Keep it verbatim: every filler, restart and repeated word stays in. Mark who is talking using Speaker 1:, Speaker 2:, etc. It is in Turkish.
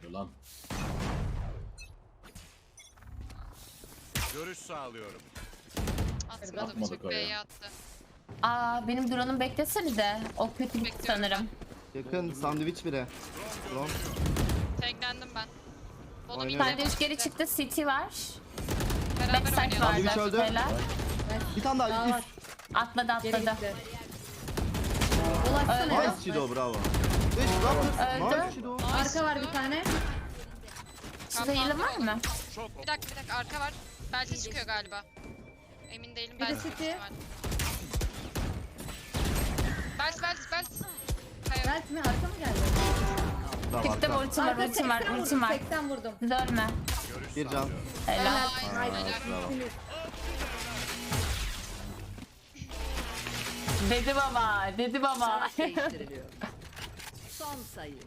Speaker 1: oluyor lan?
Speaker 2: Görüş sağlıyorum.
Speaker 3: Atmadım.
Speaker 1: Atmadık
Speaker 3: Çok
Speaker 1: oraya.
Speaker 3: B'ye attı.
Speaker 4: Aa benim drone'um beklesene de. O kötü gitti
Speaker 3: Bekliyorum.
Speaker 4: sanırım.
Speaker 5: Yakın sandviç biri. Ulan.
Speaker 3: Teklendim ben. Onu
Speaker 5: Aynen.
Speaker 3: bir
Speaker 4: Sandviç geri çıktı. City var.
Speaker 3: Beraber
Speaker 4: Backside
Speaker 3: oynayalım.
Speaker 5: Sandviç
Speaker 4: vardı.
Speaker 5: öldü.
Speaker 4: Helal.
Speaker 5: Bir tane daha.
Speaker 6: Daha var.
Speaker 5: Üst.
Speaker 4: Atladı
Speaker 6: Geri
Speaker 4: atladı.
Speaker 6: gitti. Dolaşsana.
Speaker 5: Nice Chido bravo. Beş raptor.
Speaker 4: Öldü.
Speaker 5: Nice Chido.
Speaker 6: Arka var bir tane.
Speaker 4: Size heal'ın var mı?
Speaker 2: Çok
Speaker 3: Bir dakika bir dakika arka var. Belki çıkıyor galiba. Emin değilim.
Speaker 6: Bir de
Speaker 3: Belki
Speaker 6: City.
Speaker 3: Belki belki belki. Hayır.
Speaker 6: Belt mi? Arka mı geldi?
Speaker 5: Bravo
Speaker 4: Çıktım
Speaker 5: arka.
Speaker 4: ultim var
Speaker 6: Arka
Speaker 4: ultim var
Speaker 6: seksen
Speaker 4: ultim
Speaker 6: vurdum.
Speaker 4: var.
Speaker 6: seksen vurdum.
Speaker 4: Siz ölme.
Speaker 5: Bir can.
Speaker 4: Helal.
Speaker 3: Ay,
Speaker 6: Nice.
Speaker 3: helal.
Speaker 5: Bravo.
Speaker 4: Dedi baba dedi baba.
Speaker 7: Değiştiriliyor. Son sayı.